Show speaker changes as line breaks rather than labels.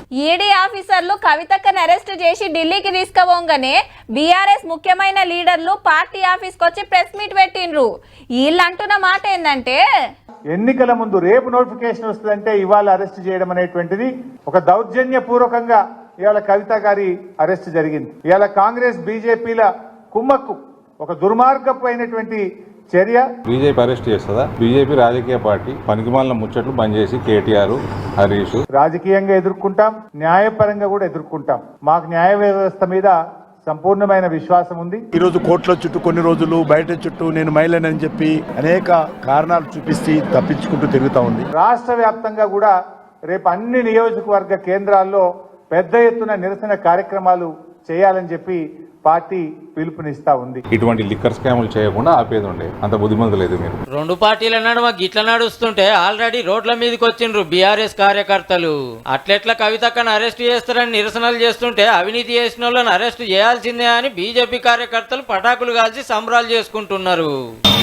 ED ఆఫీసర్లు కవితక్కను arrest చేసి ఢిల్లీకి తీసుకుపోగానే బీఆర్ఎస్ ముఖ్యమైన లీడర్లు పార్టీ ఆఫీస్కి వచ్చి ప్రెస్ మీట్ పెట్టిండ్రు. వీళ్ళు అంటున్న మాట ఏంటంటే
ఎన్నికల ముందు రేపు నోటిఫికేషన్ వస్తుందంటే ఇవాళ అరెస్ట్ చేయడం అనేటువంటిది ఒక దౌర్జన్యపూర్వకంగా ఇవాళ కవిత గారి అరెస్ట్ జరిగింది. ఇవాళ కాంగ్రెస్ బీజేపీల కుమ్మక్కు ఒక దుర్మార్గమైనటువంటి చర్య.
బీజేపీ అరెస్ట్ చేస్తుందా? బీజేపీ రాజకీయ పార్టీ పనికిమాలిన ముచ్చట్లు బంద్ చేసి కేటీఆర్ హరీష్
రాజకీయంగా ఎదుర్కొంటాం, న్యాయపరంగా కూడా ఎదుర్కొంటాం. మాకు న్యాయ వ్యవస్థ మీద సంపూర్ణమైన విశ్వాసం ఉంది.
ఈ రోజు కోర్టుల చుట్టూ కొన్ని రోజులు బయట చుట్టూ నేను మహిళనని చెప్పి అనేక కారణాలు చూపిస్తే తప్పించుకుంటూ తిరుగుతా ఉంది.
రాష్ట్ర వ్యాప్తంగా కూడా రేపు అన్ని నియోజకవర్గ కేంద్రాల్లో పెద్ద ఎత్తున నిరసన కార్యక్రమాలు చేయాలని చెప్పి పార్టీ పిలుపునిస్తా ఉంది.
ఇటువంటి లిక్కర్ స్కాములు చేయకుండా ఆపేది ఉండే అంత బుద్ధిమంతులు లేదు మీరు.
రెండు పార్టీల నడుమ గిట్ల నడుస్తుంటే ఆల్రెడీ రోడ్ల మీదకి వచ్చిండ్రు బీఆర్ఎస్ కార్యకర్తలు. అట్లెట్ల కవితక్కను అరెస్ట్ చేస్తారని నిరసనలు చేస్తుంటే అవినీతి చేసిన వాళ్ళని అరెస్ట్ చేయాల్సిందే అని బీజేపీ కార్యకర్తలు పటాకులు కాల్చి సంబరాలు చేసుకుంటున్నారు.